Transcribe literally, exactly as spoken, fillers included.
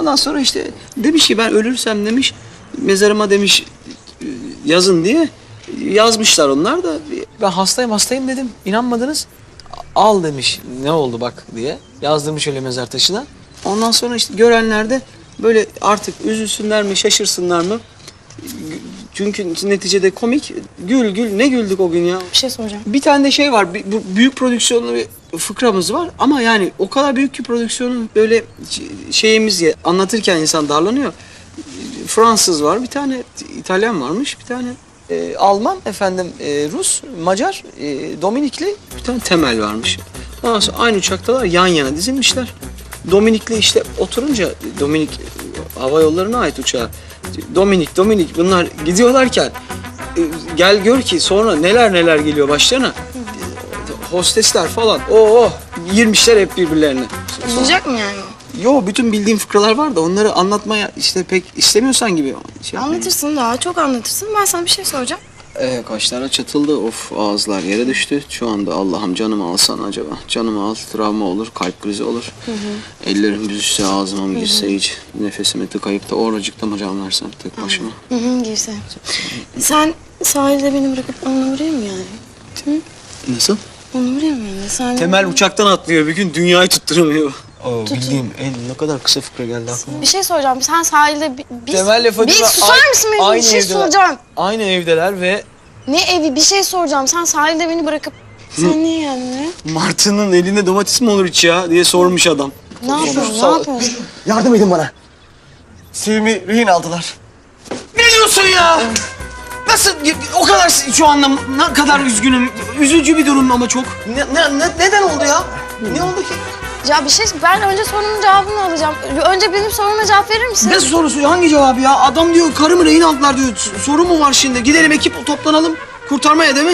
Ondan sonra işte demiş ki ben ölürsem demiş mezarıma demiş yazın diye yazmışlar onlar da. Ben hastayım hastayım dedim. İnanmadınız. Al demiş ne oldu bak diye. Yazdırmış öyle mezar taşına. Ondan sonra işte görenler de böyle artık üzülsünler mi şaşırsınlar mı? Çünkü neticede komik. Gül gül ne güldük o gün ya. Bir şey soracağım. Bir tane de şey var. Bir, bu büyük prodüksiyonlu bir fıkramız var. Ama yani o kadar büyük ki prodüksiyonun böyle şeyimiz ya, anlatırken insan darlanıyor. Fransız var, bir tane İtalyan varmış, bir tane e, Alman, efendim e, Rus, Macar, e, Dominikli, bir tane Temel varmış. Ondan sonra aynı uçaktalar yan yana dizilmişler. Dominikli işte oturunca, Dominik hava yollarına ait uçağa. Dominik, Dominik bunlar gidiyorlarken e, gel gör ki sonra neler neler geliyor başlarına. E, hostesler falan, oo girmişler hep birbirlerine. Üzülecek mi yani? Yo, bütün bildiğim fıkralar var da onları anlatmaya işte pek istemiyorsan gibi. Şey Anlatırsın daha çok anlatırsın. Ben sana bir şey soracağım. Ee, kaşlara çatıldı, of ağızlar yere düştü. Şu anda Allah'ım canımı alsan acaba. Canımı al, travma olur, kalp krizi olur. Hı hı. Ellerim büzüşse, ağzıma mı girse hiç. Nefesimi tıkayıp da oracıkta mı can versem tek başıma. Hı hı, girse. Sen sahilde beni bırakıp onunla vurayım mı yani? Hı? Nasıl? Onu vurayım mı yani? Sen... Temel uçaktan atlıyor bir gün, dünyayı tutturamıyor. Oo, bildiğim en ne kadar kısa fıkra geldi aklıma. Bir şey soracağım. Sen sahilde bi- biz... Temel lafı Bir susar mısın benim? Bir şey evdeler. soracağım. Aynı evdeler ve Ne evi? Bir şey soracağım. Sen sahilde beni bırakıp... Sen niye geldin ya? Martı'nın elinde domates mi olur hiç ya diye sormuş adam. Ne yapıyorsun? Ne Sağ- yapıyorsun? Yardım edin bana. Sevimi rehin aldılar. Ne diyorsun ya? Nasıl? O kadar şu anda ne kadar üzgünüm. Üzücü bir durum ama çok. Ne, ne, ne- neden oldu ya? Ne oldu ki? Ya bir şey... Ben önce sorumun cevabını alacağım. Önce benim soruma cevap verir misin? Ne sorusu? Hangi cevabı ya? Adam diyor karımı rehin aldılar diyor. Soru mu var şimdi? Gidelim ekip toplanalım kurtarmaya değil mi?